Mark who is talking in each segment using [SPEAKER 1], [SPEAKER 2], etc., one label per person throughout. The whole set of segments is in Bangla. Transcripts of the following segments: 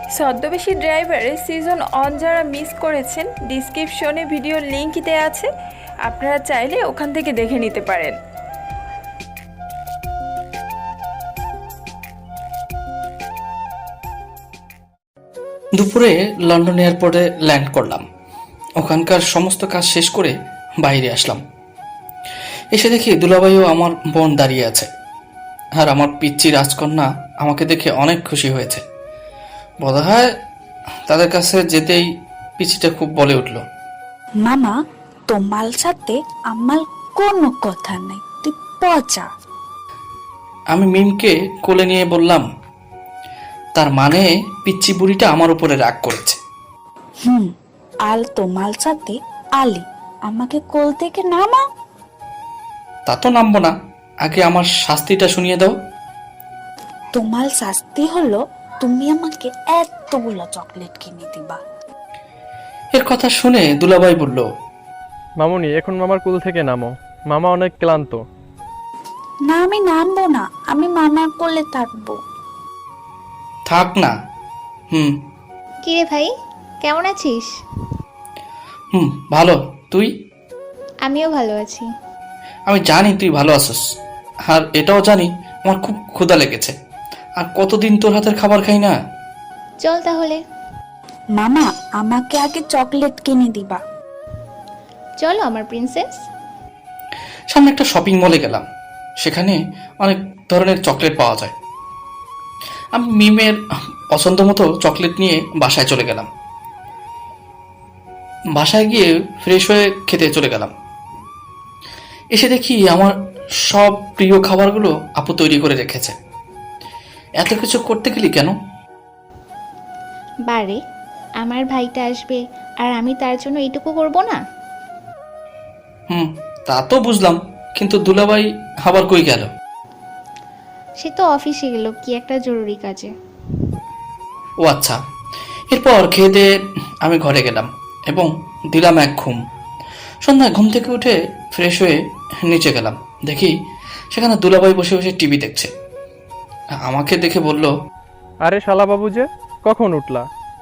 [SPEAKER 1] ছদ্মবেশী ড্রাইভারের সিজন অন যারা মিস করেছেন, ডিসক্রিপশনে ভিডিওর লিংক দেওয়া আছে, আপনারা চাইলে ওখান থেকে দেখে নিতে পারেন।
[SPEAKER 2] দুপুরে লন্ডন এয়ারপোর্টে ল্যান্ড করলাম। ওখানকার সমস্ত কাজ শেষ করে বাইরে আসলাম। এসে দেখি দুলাভাই ও আমার বোন দাঁড়িয়ে আছে, আর আমার পিচ্চি রাজকন্যা আমাকে দেখে অনেক খুশি হয়েছে। বোধহয় তাদের কাছে যেতেই পিচিটা খুব বলে উঠল,
[SPEAKER 3] মামা, তোমার সাথে আমার কোনো কথা নাই, তুই পচা।
[SPEAKER 2] আমি মিমকে কোলে নিয়ে বললাম, তার মানে পিচ্চি বুড়িটা আমার উপরে রাগ করেছে।
[SPEAKER 3] আর তোমার সাথে আলি, আমাকে কোল থেকে নামা।
[SPEAKER 2] তা তো নামবো না, আগে আমার শাস্তিটা শুনিয়ে দাও।
[SPEAKER 3] তোমার শাস্তি হলো তুমি আমাকে এতগুলো চকলেট কিনে দিবা।
[SPEAKER 2] এর কথা শুনে দুলাভাই বলল,
[SPEAKER 4] মামুনি, এখন মামার কুল থেকে নামো, মামা অনেক ক্লান্ত।
[SPEAKER 3] না, আমি নামবো না, আমি মামার কোলে থাকবো।
[SPEAKER 2] থাক না।
[SPEAKER 5] কিরে ভাই, কেমন আছিস?
[SPEAKER 2] ভালো, তুই?
[SPEAKER 5] আমিও ভালো আছি।
[SPEAKER 2] আমি জানি তুই ভালো আছিস, আর এটাও জানি আমার খুব ক্ষুধা লেগেছে, আর কতদিন তোর হাতের খাবার খাই না।
[SPEAKER 5] চল তাহলে।
[SPEAKER 3] মামা, আমাকে আগে চকলেট কিনে দিবা।
[SPEAKER 5] চলো আমার প্রিন্সেস।
[SPEAKER 2] সামনে একটা শপিং মলে গেলাম, সেখানে অনেক ধরনের চকলেট পাওয়া যায়। আমি মিমের পছন্দ মতো চকলেট নিয়ে বাসায় চলে গেলাম। বাসায় গিয়ে ফ্রেশ হয়ে খেতে চলে গেলাম। এসে দেখি আমার সব প্রিয় খাবারগুলো আপু তৈরি করে রেখেছে। এত কিছু করতে গেলি কেন?
[SPEAKER 5] বারে, আমার ভাইটা আসবে আর আমি তার জন্য এইটুকু করব না?
[SPEAKER 2] তা তো বুঝলাম, কিন্তু দুলাভাই আবার কই গেল?
[SPEAKER 5] সে তো অফিসে গেল কি একটা জরুরি কাজে।
[SPEAKER 2] ও আচ্ছা। এরপর খেয়ে দিয়ে আমি ঘরে গেলাম এবং দিলাম এক ঘুম। সন্ধ্যায় ঘুম থেকে উঠে ফ্রেশ হয়ে নিচে গেলাম, দেখি সেখানে দুলাভাই বসে বসে টিভি দেখছে। আমাকে দেখে বলল,
[SPEAKER 4] আরে শালা বাবু যে, কখন উঠলা?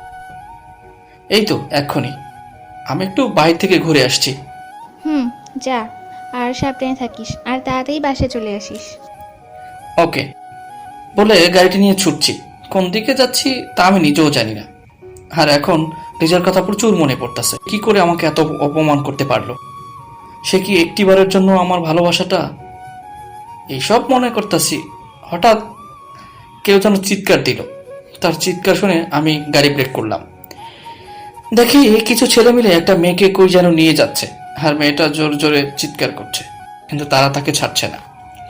[SPEAKER 2] এই তো এক্ষুনি, আমি একটু বাইরে থেকে ঘুরে আসছি।
[SPEAKER 5] যা, আর সাবধানে থাকিস, আর তাড়াতাড়ি বাসায় চলে আসিস।
[SPEAKER 2] ওকে বলে গাড়িটি নিয়ে ছুটছি। কোন দিকে যাচ্ছি তা আমি নিজেও জানি না, আর এখন নিজের কথা প্রচুর মনে পড়তেছে। কি করে আমাকে এত অপমান করতে পারলো? সে কি একটিবারের জন্য আমার ভালোবাসাটা? এইসব মনে করতেছি, হঠাৎ কেউ যেন চিৎকার দিল। তার চিৎকার শুনে আমি গাড়ি ব্রেক করলাম। দেখি কিছু ছেলে মিলে একটা মেয়েকে কই যেন নিয়ে যাচ্ছে, আর মেয়েটা জোর জোরে চিৎকার করছে, কিন্তু তারা তাকে ছাড়ছে না।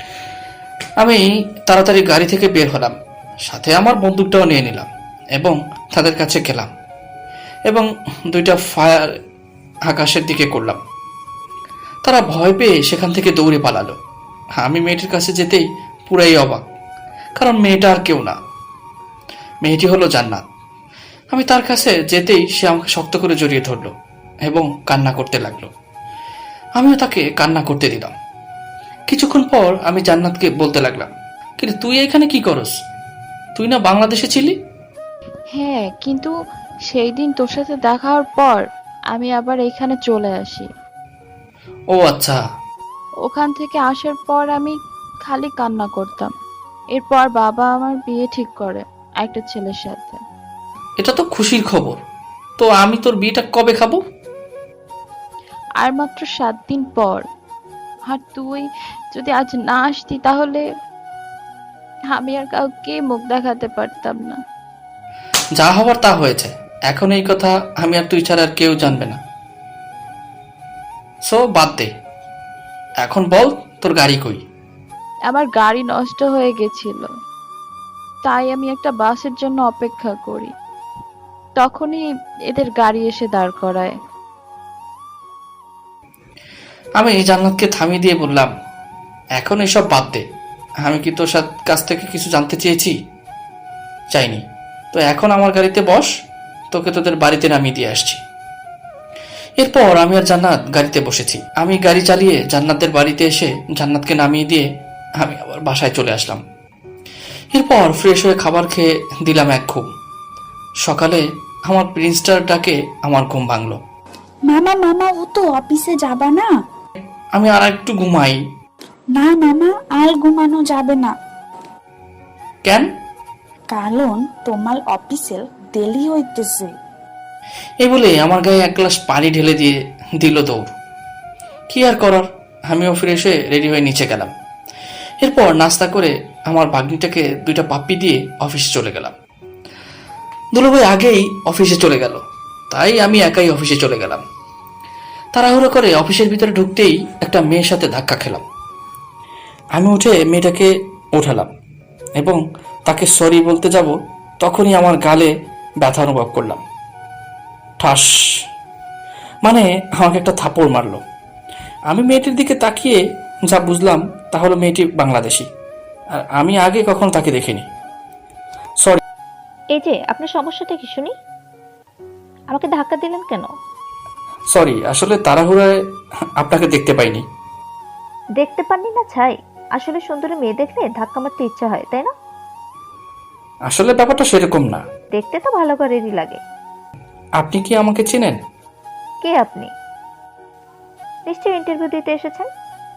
[SPEAKER 2] আমি তাড়াতাড়ি গাড়ি থেকে বের হলাম, সাথে আমার বন্দুকটাও নিয়ে নিলাম এবং তাদের কাছে গেলাম এবং দুইটা ফায়ার আকাশের দিকে করলাম। তারা ভয় পেয়ে সেখান থেকে দৌড়ে পালালো। আমি মেয়েটির কাছে যেতেই পুরাই অবাক, কারণ মেয়েটা আর কেউ না, মেয়েটি হলো জান্নাত। আমি তার কাছে যেতেই সে আমাকে শক্ত করে জড়িয়ে ধরলো এবং কান্না করতে লাগলো। আমিও তাকে কান্না করতে দিলাম। কিছুক্ষণ পর আমি জান্নাতকে বলতে লাগলাম, কিন্তু তুই এখানে কি করস? তুই না বাংলাদেশে ছিলি?
[SPEAKER 6] হ্যাঁ, কিন্তু সেই দিন তোর সাথে দেখা হওয়ার পর আমি আবার এখানে চলে আসি।
[SPEAKER 2] ও আচ্ছা।
[SPEAKER 6] ওখান থেকে আসার পর আমি খালি কান্না করতাম। এরপর বাবা আমার বিয়ে ঠিক করে একটা ছেলের সাথে।
[SPEAKER 2] এটা তো খুশির খবর। তো আমি তোর বিয়েটা কবে খাবো?
[SPEAKER 6] আর মাত্র 7 দিন পর। আর তুই যদি আজ না আসতি তাহলে আমি আর কাউকে মুখ দেখাতে পারতাম না।
[SPEAKER 2] যা হবার তা হয়েছে, এখন এই কথা আমি আর তুই ছাড়া আর কেউ জানবে না। সো বাদ দে, এখন বল তোর গাড়ি কই?
[SPEAKER 6] আমার গাড়ি নষ্ট হয়ে গেছিল, তাই আমি একটা বাসের জন্য অপেক্ষা করি। তখনই এদের গাড়ি এসে দাঁড় করায়।
[SPEAKER 2] আমি জান্নাতকে থামিয়ে দিয়ে বললাম, এখন এসব বাদ দে। আমি কি তোর কাছ থেকে কিছু জানতে চেয়েছি? চাইনি। তো এখন আমার গাড়িতে বস, তোকে তোদের বাড়িতে নামিয়ে দিয়ে আসছি। এরপর আমি আর জান্নাত গাড়িতে বসেছি। আমি গাড়ি চালিয়ে জান্নাতের বাড়িতে এসে জান্নাতকে নামিয়ে দিয়ে আমি আবার বাসায় চলে আসলাম। এরপর ফ্রেশ হয়ে খাবার খেয়ে দিলাম এক ঘুম। সকালে আমার প্রিন্সটার ডাকে আমার ঘুম ভাঙলো।
[SPEAKER 3] মামা মামা ও তো অফিসে যাবা না?
[SPEAKER 2] আমি আর একটু ঘুমাই।
[SPEAKER 3] না মামা, আর ঘুমানো যাবে না,
[SPEAKER 2] কেন?
[SPEAKER 3] কারণ তোমার অফিসে দেরি হইতেছে।
[SPEAKER 2] এই বলে আমার গায়ে এক গ্লাস পানি ঢেলে দিয়ে দিল দৌড়। কি আর করার, আমিও ফিরে এসে রেডি হয়ে নিচে গেলাম। এরপর নাস্তা করে আমার ভাগ্নিটাকে 2টা পাপ্পি দিয়ে অফিসে চলে গেলাম। দুলাভাই আগেই অফিসে চলে গেল, তাই আমি একাই অফিসে চলে গেলাম। তাড়াহুড়ো করে অফিসের ভিতরে ঢুকতেই একটা মেয়ের সাথে ধাক্কা খেলাম। আমি উঠে মেয়েটাকে ওঠালাম এবং তাকে সরি বলতে যাব, তখনই আমার গালে ব্যথা অনুভব করলাম। ঠাস, মানে আমাকে একটা থাপড় মারলো। আমি মেয়েটির দিকে তাকিয়ে যা বুঝলাম তা হলো মেয়েটি বাংলাদেশি, আর আমি আগে কখনো তাকে দেখিনি। সরি।
[SPEAKER 7] এই যে আপনার সমস্যাটা কি শুনি? আমাকে ধাক্কা দিলেন কেন?
[SPEAKER 2] সরি, আসলে তাড়াহুড়ায় আপনাকে দেখতে পাইনি।
[SPEAKER 7] দেখতে পাননি না ছাই? আসলে সুন্দরী মেয়ে দেখলে ধাক্কা মারতে ইচ্ছা হয়, তাই না?
[SPEAKER 2] আসলে ব্যাপারটা সেরকম না।
[SPEAKER 7] দেখতে তো ভালো করেরই লাগে।
[SPEAKER 2] আপনি কি আমাকে চেনেন?
[SPEAKER 7] কে আপনি? নিশ্চয়ই ইন্টারভিউ দিতে এসেছেন।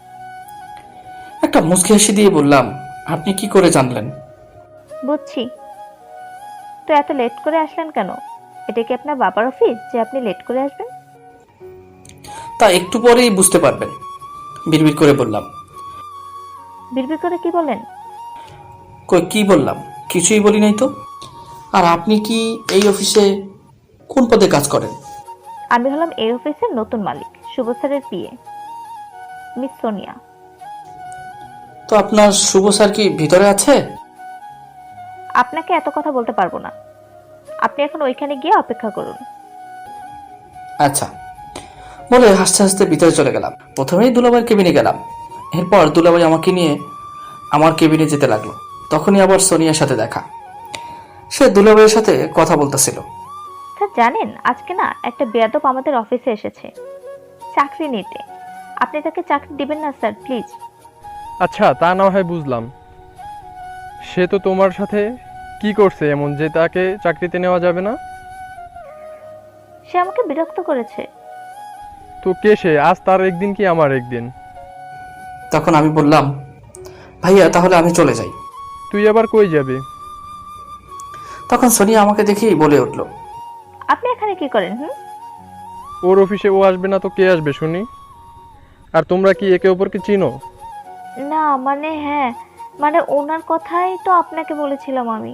[SPEAKER 2] একটা মুচকি হাসি দিয়ে বললাম, আপনি কি করে জানলেন?
[SPEAKER 7] বুঝছি। তো এত লেট করে আসলেন কেন? এটা কি আপনার বাবার অফিস যে আপনি লেট করে আসবেন?
[SPEAKER 2] তা একটু পরেই বুঝতে পারবেন, বিড়বিড় করে বললাম।
[SPEAKER 7] বিড়বিড় করে কি বলেন?
[SPEAKER 2] কই কি বললাম? কিছুই বলি নাই তো। আর আপনি কি এই অফিসে কোন পদে কাজ করেন?
[SPEAKER 7] আমি হলাম এই অফিসের নতুন মালিক, শুভ স্যারের পিএ, মিস সোনিয়া।
[SPEAKER 2] তো আপনার শুভ স্যার কি ভিতরে আছে?
[SPEAKER 7] আপনাকে এত কথা বলতে পারবো না। আপনি এখন ওইখানে গিয়ে অপেক্ষা করুন।
[SPEAKER 2] আচ্ছা বলে হাসতে হাসতে ভিতরে চলে গেলাম। প্রথমেই দুলাভাইয়ের কেবিনে গেলাম। এরপর দুলাভাই আমাকে নিয়ে আমার কেবিনে যেতে লাগলো। তখনই আবার সোনিয়ার সাথে দেখা। সে দুলাভাইয়ের সাথে কথা বলতেছিল।
[SPEAKER 7] স্যার জানেন, আজকে না একটা বেয়াদব আমাদের অফিসে এসেছে চাকরি নিতে। আপনি তাকে চাকরি দিবেন না স্যার, প্লিজ।
[SPEAKER 4] আচ্ছা, তা না হয় বুঝলাম। সে তো তোমার সাথে কি করছে এমন যে তাকে চাকরিতে নেওয়া যাবে না?
[SPEAKER 7] সে আমাকে বিরক্ত করেছে।
[SPEAKER 4] তো কে সে? আজ তার একদিন কি আমার একদিন?
[SPEAKER 2] তখন আমি বললাম, ভাইয়া তাহলে আমি চলে যাই।
[SPEAKER 4] তুই আবার কই যাবি?
[SPEAKER 2] তখন সোনিয়া আমাকে দেখেই বলে উঠল,
[SPEAKER 7] আপনি এখানে কি করেন?
[SPEAKER 4] ওর অফিসে ও আসবে না তো কে আসবে শুনি? আর তোমরা কি একে অপরকে চিনো?
[SPEAKER 7] না মানে হ্যাঁ, মানে ওনার কথাই তো আপনাকে বলেছিলাম আমি।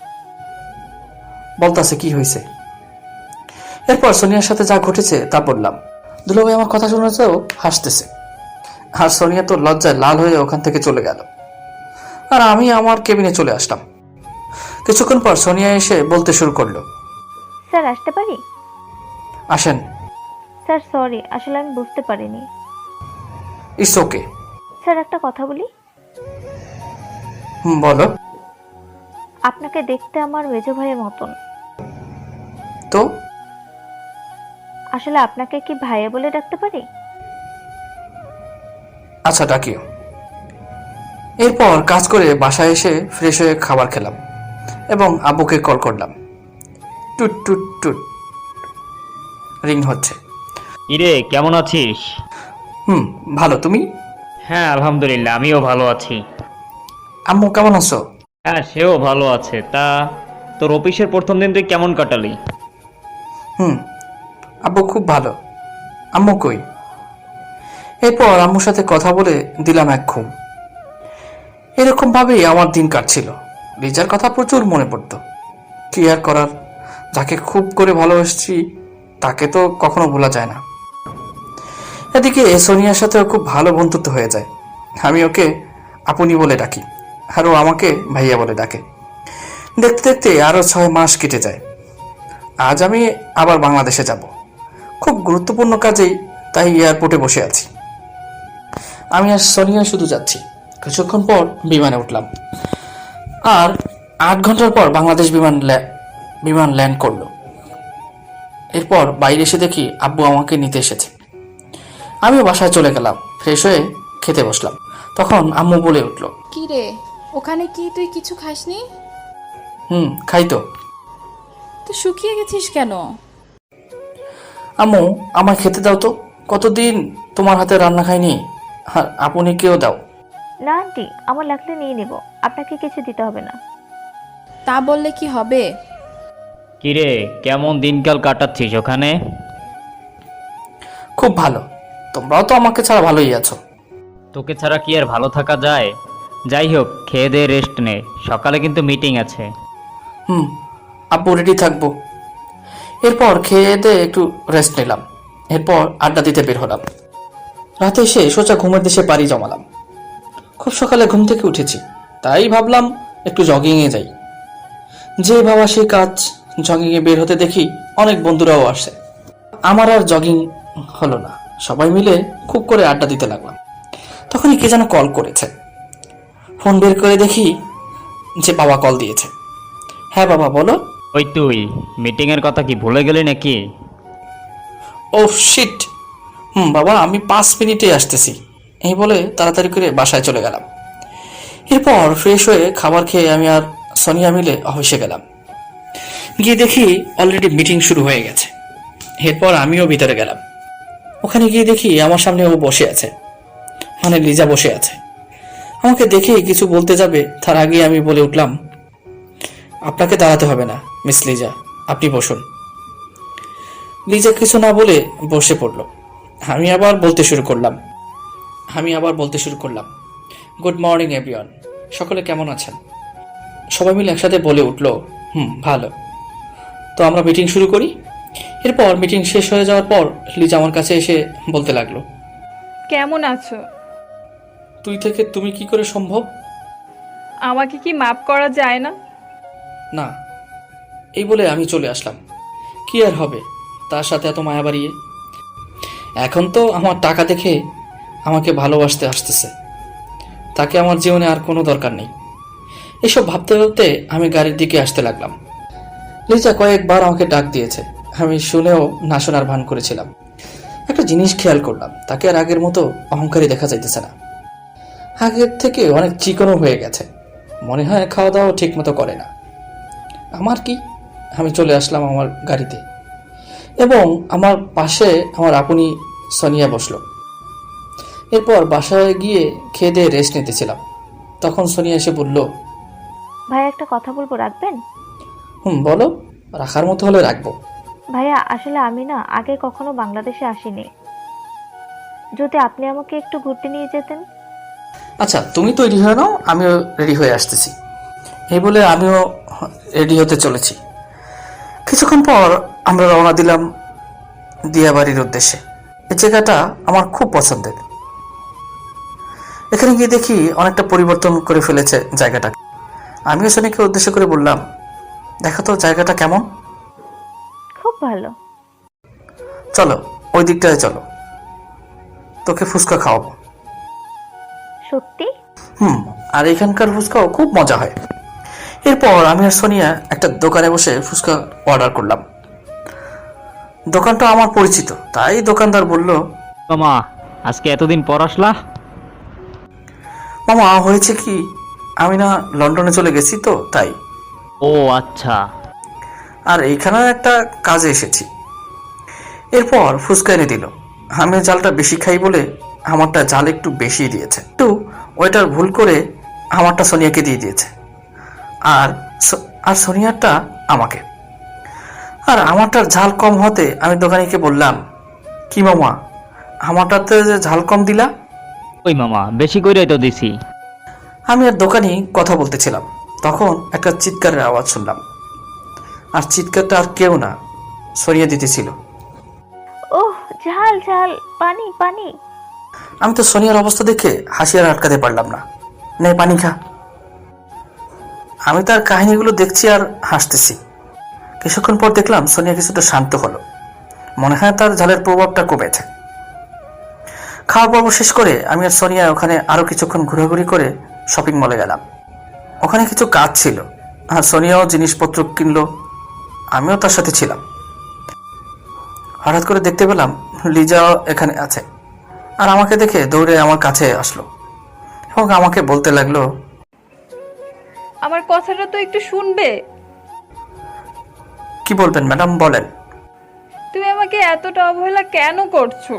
[SPEAKER 2] বলতাছে কি হয়েছে। এরপর সোনিয়ার সাথে যা ঘটেছে তা বললাম। দুলাভাই আমার কথা শুনেছেও হাসতেছে, আর সোনিয়া তো লজ্জায় লাল হয়ে ওখান থেকে চলে গেল। আর আমি আমার কেবিনে চলে আসলাম। কিছুক্ষণ পর সোনিয়া এসে বলতে শুরু করলো,
[SPEAKER 7] স্যার আসতে পারি?
[SPEAKER 2] আসেন।
[SPEAKER 7] স্যার সরি, আসলে আমি বুঝতে পারিনি।
[SPEAKER 2] It's okay.
[SPEAKER 7] স্যার একটা কথা বলি।
[SPEAKER 2] বলো।
[SPEAKER 7] আপনাকে দেখতে আমার মেজো ভাইয়ের মতন।
[SPEAKER 2] তো
[SPEAKER 7] আসলে আপনাকে কি ভাইয়া বলে ডাকতে পারি?
[SPEAKER 2] আচ্ছা ডাকিও। এরপর কাজ করে বাসায় এসে ফ্রেশ হয়ে খাবার খেলাম এবং আব্বুকে কল করলাম। টুট টুট টুট রিং হচ্ছে।
[SPEAKER 8] ইরে কেমন আছিস?
[SPEAKER 2] ভালো, তুমি?
[SPEAKER 8] হ্যাঁ আলহামদুলিল্লাহ, আমিও ভালো আছি।
[SPEAKER 2] আম্মু কেমন আছো?
[SPEAKER 8] হ্যাঁ সেও ভালো আছে। তা তোর অফিসের প্রথম দিন তুই কেমন কাটালি?
[SPEAKER 2] আব্বু খুব ভালো। আম্মু কই? এরপর আম্মুর সাথে কথা বলে দিলাম এক ঘুম। এরকম ভাবেই আমার দিন কাটছিল। রিজার কথা প্রচুর মনে পড়তো। কি আর করার, যাকে খুব করে ভালোবাসছি তাকে তো কখনো ভোলা যায় না। এদিকে সোনিয়ার সাথেও খুব ভালো বন্ধুত্ব হয়ে যায়। আমি ওকে আপনি বলে ডাকি, আর ও আমাকে ভাইয়া বলে ডাকে। দেখতে দেখতে আরো 6 মাস কেটে যায়। আজ আমি আবার বাংলাদেশে যাব, খুব গুরুত্বপূর্ণ কাজেই, তাই এয়ারপোর্টে বসে আছি। আমি আর সোনিয়া শুধু যাচ্ছি। কিছুক্ষণ পর বিমানে উঠলাম, আর 8 ঘন্টার পর বাংলাদেশ বিমান ল্যান্ড করলো। এরপর বাইরে এসে দেখি আব্বু আমাকে নিতে এসেছে। আমিও বাসায় চলে গেলাম, ফ্রেশ হয়ে খেতে বসলাম। তখন আম্মু বলে উঠল,
[SPEAKER 9] কি রে, ওখানে কি তুই কিছু খাসনি?
[SPEAKER 2] খাই তো।
[SPEAKER 9] তুই
[SPEAKER 3] তো শুকিয়ে গেছিস কেন?
[SPEAKER 2] আম্মু, আমায় খেতে দাও তো, কতদিন তোমার হাতে রান্না খাইনি। আর আপনি কেউ দাও।
[SPEAKER 7] না আন্টি, আমার লাগলে নিয়ে নিব, আপনাকে কিছু দিতে হবে না।
[SPEAKER 3] তা বললে কি হবে?
[SPEAKER 8] কিরে, কেমন দিনকাল কাটাচ্ছিস ওখানে?
[SPEAKER 2] খুব ভালো, তোমরাও তো আমাকে ছাড়া ভালোই আছো।
[SPEAKER 8] তোকে ছাড়া কি আর ভালো থাকা যায়? যাই হোক, খেয়ে দে, রেস্ট নে, সকালে কিন্তু মিটিং আছে।
[SPEAKER 2] আব্বু রেডি থাকবো। এরপর খেয়ে দিয়ে একটু রেস্ট নিলাম। এরপর আড্ডা দিতে বের হলাম। রাতে এসে সোজা ঘুমের দেশে পাড়ি জমালাম। খুব সকালে ঘুম থেকে উঠেছি, তাই ভাবলাম একটু জগিংয়ে যাই। যে ভাবা সেই কাজ, জগিংয়ে বের হতে দেখি অনেক বন্ধুরাও আসে। আমার আর জগিং হলো না, সবাই মিলে খুব করে আড্ডা দিতে লাগলাম। তখনই কে যেন কল করেছে। ফোন বের করে দেখি যে বাবা কল দিয়েছে। হ্যাঁ বাবা, বলো।
[SPEAKER 8] ওই তুই মিটিংয়ের কথা কি ভুলে গেলি নাকি?
[SPEAKER 2] Oh shit. বাবা, আমি 5 মিনিটে আসতেছি, এই বলে তাড়াতাড়ি করে বাসায় চলে গেলাম। এরপর ফ্রেশ হয়ে খাবার খেয়ে আমি আর সোনিয়া মিলে অফিসে গেলাম। গিয়ে দেখি অলরেডি মিটিং শুরু হয়ে গেছে। এরপর আমিও ভিতরে গেলাম। ওখানে গিয়ে দেখি আমার সামনে ও বসে আছে, মানে লিজা বসে আছে। আমাকে দেখে কিছু বলতে যাবে তার আগে আমি বলে উঠলাম, আপনাকে দাঁড়াতে হবে না মিস লিজা, আপনি বসুন। লিজা কিছু না বলে বসে পড়ল। আমি আবার বলতে শুরু করলাম, গুড মর্নিং এভরিওয়ান, সকলে কেমন আছেন? সবাই মিলে একসাথে বলে উঠল, ভালো। তো আমরা মিটিং শুরু করি। এরপর মিটিং শেষ হয়ে যাওয়ার পর লিজা আমার কাছে এসে বলতে লাগলো,
[SPEAKER 1] কেমন আছো?
[SPEAKER 2] তুই থেকে তুমি কি করে সম্ভব?
[SPEAKER 1] আমাকে কি মাপ করা যায় না?
[SPEAKER 2] না, এই বলে আমি চলে আসলাম। কি আর হবে তার সাথে এত মায়া বাড়িয়ে। এখন তো আমার টাকা দেখে আমাকে ভালোবাসতে আসতেছে, তাকে আমার জীবনে আর কোনো দরকার নেই। এসব ভাবতে ভাবতে আমি গাড়ির দিকে আসতে লাগলাম। লিজা কয়েকবার আমাকে ডাক দিয়েছে, আমি শুনেও না শোনার ভান করেছিলাম। একটা জিনিস খেয়াল করলাম, তাকে আর আগের মতো অহংকারী দেখা যাইতেছে না। আগের থেকে অনেক চিকনও হয়ে গেছে, মনে হয় খাওয়া দাওয়া ঠিক মতো করে না। আমার কি, আমি চলে আসলাম আমার গাড়িতে এবং আমার পাশে আমার আপনি সোনিয়া বসলো। এরপর বাসায় গিয়ে খেয়ে দিয়ে রেস্ট নিতেছিলাম, তখন সোনিয়া এসে বলল,
[SPEAKER 7] ভাইয়া একটা কথা বলবো, রাখবেন?
[SPEAKER 2] বলো, রাখার মতো হলে রাখবো।
[SPEAKER 7] ভাইয়া আসলে আমি না আগে কখনো বাংলাদেশে আসিনি, যদি আপনি আমাকে একটু ঘুরতে নিয়ে যেতেন।
[SPEAKER 2] আচ্ছা, তুমি তৈরি হয়ে নাও, আমিও রেডি হয়ে আসতেছি। এই বলে আমিও রেডি হতে চলেছি। কিছুক্ষণ পর আমরা রওনা দিলাম দিয়াবাড়ির উদ্দেশ্যে। এই জায়গাটা আমার খুব পছন্দের। এখানে গিয়ে দেখি অনেকটা পরিবর্তন করে ফেলেছে জায়গাটা। আমিও সোনিকে উদ্দেশ্য করে বললাম, দেখো তো জায়গাটা কেমন।
[SPEAKER 7] খুব ভালো।
[SPEAKER 2] চলো ওই দিকটায় চলো, তোকে ফুচকা খাওয়াবো।
[SPEAKER 7] সত্যি?
[SPEAKER 2] আর এখানকার ফুচকাও খুব মজা হয়। এরপর আমি আর সোনিয়া একটা দোকানে বসে ফুচকা অর্ডার করলাম। দোকানটা আমার পরিচিত, তাই দোকানদার বলল,
[SPEAKER 8] মামা, আজকে এতদিন পর আসলা?
[SPEAKER 2] মামা হয়েছে কি, আমি না লন্ডনে চলে গেছি তো তাই।
[SPEAKER 8] ও আচ্ছা।
[SPEAKER 2] আর এইখানে একটা কাজে এসেছি। এরপর ফুচকা এনে দিল। আমি জালটা বেশি খাই বলে আমারটা জাল একটু বেশি দিয়েছে, একটু ওইটার ভুল করে আমারটা সোনিয়াকে দিয়ে দিয়েছে, আর সোনিয়ারটা আমাকে। আর আমারটার ঝাল কম হতে আমি দোকানিকে বললাম, কি মামা, আমারটাতে যে ঝাল কম দিলা?
[SPEAKER 8] ওই মামা, বেশি করে তো দিছি।
[SPEAKER 2] আমি আর দোকানি কথা বলতেছিলাম, তখন একটা চিৎকারের আওয়াজ শুনলাম। আর চিৎকারটা আর কেউ না, সরিয়ে দিতেছিল।
[SPEAKER 7] ওহ, ঝাল ঝাল, পানি পানি।
[SPEAKER 2] আমি তো সোনিয়ার অবস্থা দেখে হাসি আর আটকাতে পারলাম না। নে পানি খা। আমি তার কাহিনীগুলো দেখছি আর হাসতেছি। কিছুক্ষণ পর দেখলাম সোনিয়া কিছুটা শান্ত হলো, মনে হয় তার ঝালের প্রভাবটা কমেছে। খাওয়া পর্ব শেষ করে আমি আর সোনিয়া ওখানে আরো কিছুক্ষণ ঘোরাঘুরি করে শপিং মলে গেলাম। ওখানে কিছু কাজ ছিল, আর সোনিয়াও জিনিসপত্র কিনলো, আমিও তার সাথে ছিলাম। হঠাৎ করে দেখতে পেলাম লিজাও এখানে আছে, আর আমাকে দেখে দৌড়ে আমার কাছে আসলো এবং আমাকে বলতে লাগলো,
[SPEAKER 1] আমার কথাটা তো একটু শুনবে।
[SPEAKER 2] কি বলবেন ম্যাডাম, বলেন।
[SPEAKER 1] তুমি আমাকে এতটা অবহেলা কেন করছো?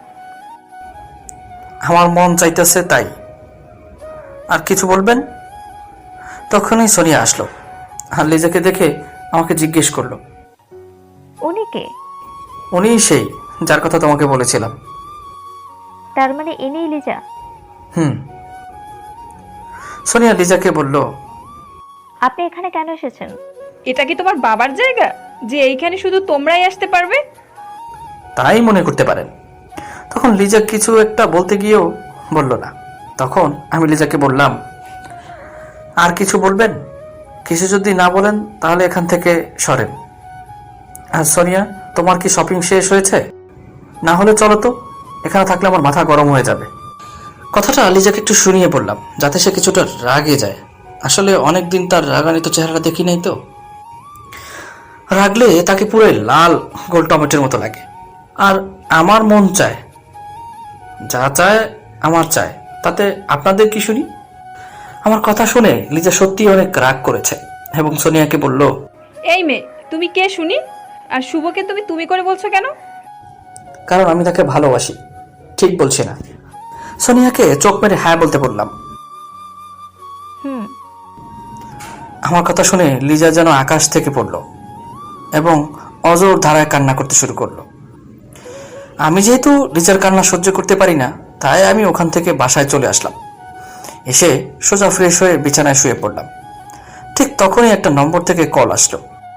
[SPEAKER 2] আমার মন চাইতেছে তাই। আর কিছু বলবেন? তখনই সোনিয়া আসলো আর লিজাকে দেখে আমাকে জিজ্ঞেস করলো,
[SPEAKER 7] উনি কে?
[SPEAKER 2] উনিই সেই যার কথা তোমাকে বলেছিলাম।
[SPEAKER 7] তার মানে ইনিই লিজা?
[SPEAKER 2] হুম। সোনিয়া লিজাকে বলল,
[SPEAKER 7] আপনি এখানে কেন এসেছেন?
[SPEAKER 1] এটা কি তোমার বাবার জায়গা যে এইখানে শুধু তোমরাই আসতে পারবে?
[SPEAKER 2] তাই মনে করতে পারেন। তখন লিজা কিছু একটা বলতে গিয়েও বলল না। তখন আমি লিজাকে বললাম, আর কিছু বলবেন? কিছু যদি না বলেন তাহলে এখান থেকে সরেন। আর সোনিয়া, তোমার কি শপিং শেষ হয়েছে? না হলে চলো তো, এখানে থাকলে আমার মাথা গরম হয়ে যাবে। কথাটা লিজাকে একটু শুনিয়ে বললাম যাতে সে কিছুটা রাগে যায়। আসলে অনেকদিন তার রাগান্বিত চেহারাটা দেখি নাই তো। রাগলে তাকে পুরো লাল গোল টমেটোর মতো লাগে। আর আমার মন চায়, যা চায় আমার চায়, তাতে আপনাদের কি শুনি? আমার কথা শুনে লিজা সত্যি অনেক রাগ করেছে এবং সোনিয়াকে বলল,
[SPEAKER 1] এই মেয়ে, তুমি কে শুনি? আর শুভকে তুমি তুমি করে বলছো কেন?
[SPEAKER 2] কারণ আমি তাকে ভালোবাসি। ঠিক বলছি না? সোনিয়াকে চোখ মেরে হ্যাঁ বলতে বললাম।
[SPEAKER 7] হুম।
[SPEAKER 2] আমার কথা শুনে লিজা যেন আকাশ থেকে পড়ল এবং অজোর ধারায় কান্না করতে শুরু করলো। আমি যেহেতু লিজার কান্না সহ্য করতে পারি না, তাই আমি ওখান থেকে বাসায় চলে আসলাম। এসে সোজা ফ্রেশ হয়ে বিছানায় শুয়ে পড়লাম। ঠিক তখনই একটা নম্বর থেকে কল আসলো।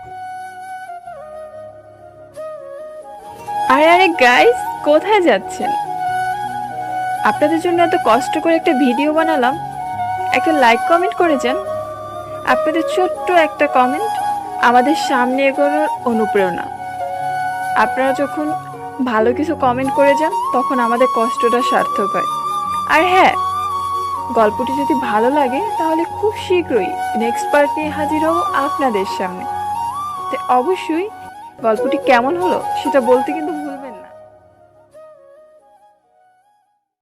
[SPEAKER 1] আরে আরে গাইস, কোথায় যাচ্ছেন? আপনাদের জন্য এত কষ্ট করে একটা ভিডিও বানালাম, একটা লাইক কমেন্ট করে যান। আপনাদের ছোট্ট একটা কমেন্ট আমাদের সামনে এগোনোর অনুপ্রেরণা। আপনারা যখন ভালো কিছু কমেন্ট করে যান তখন আমাদের কষ্টটা সার্থক হয়। আর হ্যাঁ, গল্পটি যদি ভালো লাগে তাহলে খুব শীঘ্রই নেক্সট পার্ট নিয়ে হাজির হব আপনাদের সামনে। তো অবশ্যই গল্পটি কেমন হলো সেটা বলতে কিন্তু